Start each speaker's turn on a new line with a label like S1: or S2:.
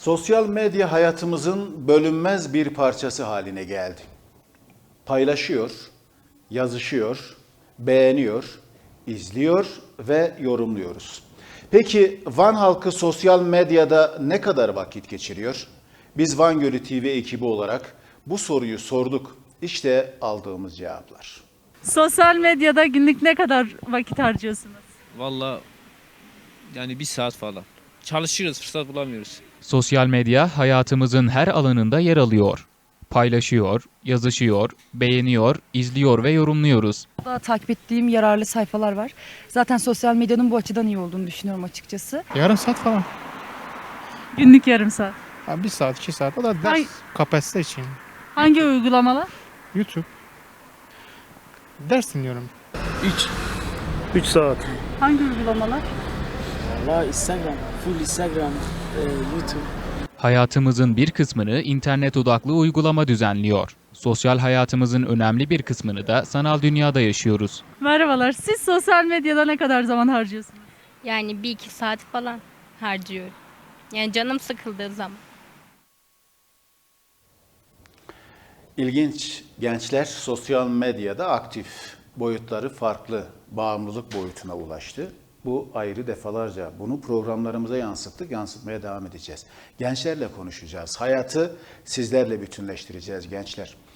S1: Sosyal medya hayatımızın bölünmez bir parçası haline geldi. Paylaşıyor, yazışıyor, beğeniyor, izliyor ve yorumluyoruz. Peki Van halkı sosyal medyada ne kadar vakit geçiriyor? Biz Van Gölü TV ekibi olarak bu soruyu sorduk. İşte aldığımız cevaplar.
S2: Sosyal medyada günlük ne kadar vakit harcıyorsunuz?
S3: Valla yani bir saat falan. Çalışıyoruz, fırsat bulamıyoruz.
S4: Sosyal medya hayatımızın her alanında yer alıyor. Paylaşıyor, yazışıyor, beğeniyor, izliyor ve yorumluyoruz.
S5: Daha takip ettiğim yararlı sayfalar var. Zaten sosyal medyanın bu açıdan iyi olduğunu düşünüyorum açıkçası.
S6: Yarım saat falan.
S2: Günlük yarım saat.
S6: Ha, bir saat, 2 saat. O da ders
S2: Ay.
S6: kapasite için.
S2: Hangi uygulamalar?
S6: YouTube. Ders dinliyorum.
S7: 3 saat.
S2: Hangi uygulamalar?
S7: Valla Instagram, full Instagram, YouTube.
S4: Hayatımızın bir kısmını internet odaklı uygulama düzenliyor. Sosyal hayatımızın önemli bir kısmını da sanal dünyada yaşıyoruz.
S2: Merhabalar. Siz sosyal medyada ne kadar zaman harcıyorsunuz?
S8: Yani 1-2 saat falan harcıyorum. Yani canım sıkıldığı zaman.
S1: İlginç, gençler sosyal medyada aktif. Boyutları farklı, bağımlılık boyutuna ulaştı. Bu ayrı, defalarca bunu programlarımıza yansıttık, yansıtmaya devam edeceğiz. Gençlerle konuşacağız. Hayatı sizlerle bütünleştireceğiz gençler.